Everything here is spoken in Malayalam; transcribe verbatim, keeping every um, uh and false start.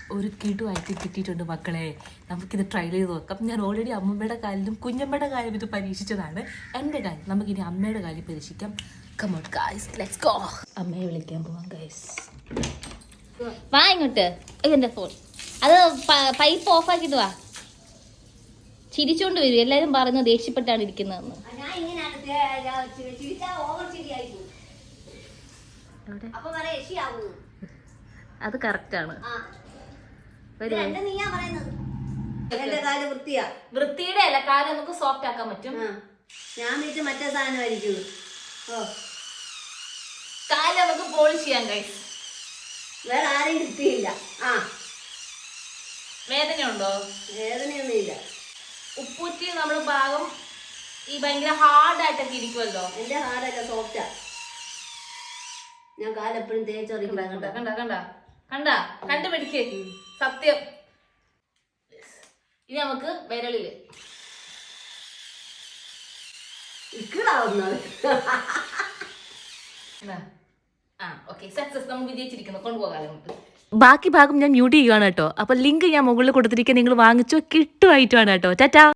ഒരു കിടുവായിട്ട് കിട്ടിയിട്ടുണ്ട് മക്കളെ. നമുക്കിത് ട്രൈ ചെയ്ത് നോക്കാം. ഞാൻ ഓൾറെഡി അമ്മമ്മയുടെ കാലിലും കുഞ്ഞമ്മയുടെ കാലും ഇത് പരീക്ഷിച്ചതാണ്. എൻ്റെ കാര്യം നമുക്കിനി അമ്മയുടെ കാര്യം പരീക്ഷിക്കാം. Come on guys, let's go. അമ്മയെ വിളിക്കാൻ പോവാം ഗൈസ്. വാ ഇങ്ങോട്ട്. എൻ്റെ ഫോൺ അത് പൈപ്പ് ഓഫ് ആക്കിട്ട് വാ. ചിരിച്ചോണ്ട് വരും. എല്ലാരും പറഞ്ഞു ദേഷ്യപ്പെട്ടാണ് ഇരിക്കുന്നതെന്ന്. അത് കറക്റ്റാണ്. വൃത്തിയുടെ അല്ല, കാല് നമുക്ക് സോഫ്റ്റ് ആക്കാൻ പറ്റും. ഞാൻ വീട്ടിൽ മറ്റേ സാധനമായിരിക്കും. കാല് നമുക്ക് പോളിഷ് ചെയ്യാൻ കഴിയും. വേറെ ആരെയും കിട്ടിയില്ല. ആ വേദനയുണ്ടോ? വേദനയൊന്നുമില്ല. ഉപ്പൂറ്റി നമ്മൾ ഭാഗം ഈ ഭയങ്കര ഹാർഡായിട്ടൊക്കെ ഇരിക്കുമല്ലോ. എന്റെ ഹാർഡല്ല, സോഫ്റ്റാ. ഞാൻ കാലെപ്പോഴും തേച്ചറിയില്ല. കണ്ട കണ്ട കണ്ട കണ്ട കണ്ടുപിടിക്ക് സത്യം. ഇനി നമുക്ക് വിരളില് ഇക്കിടാവുന്നത്. ആ ഓക്കെ, സക്സസ്. നമ്മൾ വിജയിച്ചിരിക്കുന്നു. കൊണ്ടുപോകാം നമുക്ക്. ബാക്കി ഭാഗം ഞാൻ മ്യൂട്ട് ചെയ്യുകയാണ് കേട്ടോ. അപ്പോൾ ലിങ്ക് ഞാൻ മുകളിൽ കൊടുത്തിരിക്കുക. നിങ്ങൾ വാങ്ങിച്ചോ, കിട്ടുമായിട്ടാണ് കേട്ടോ. ടാറ്റാ.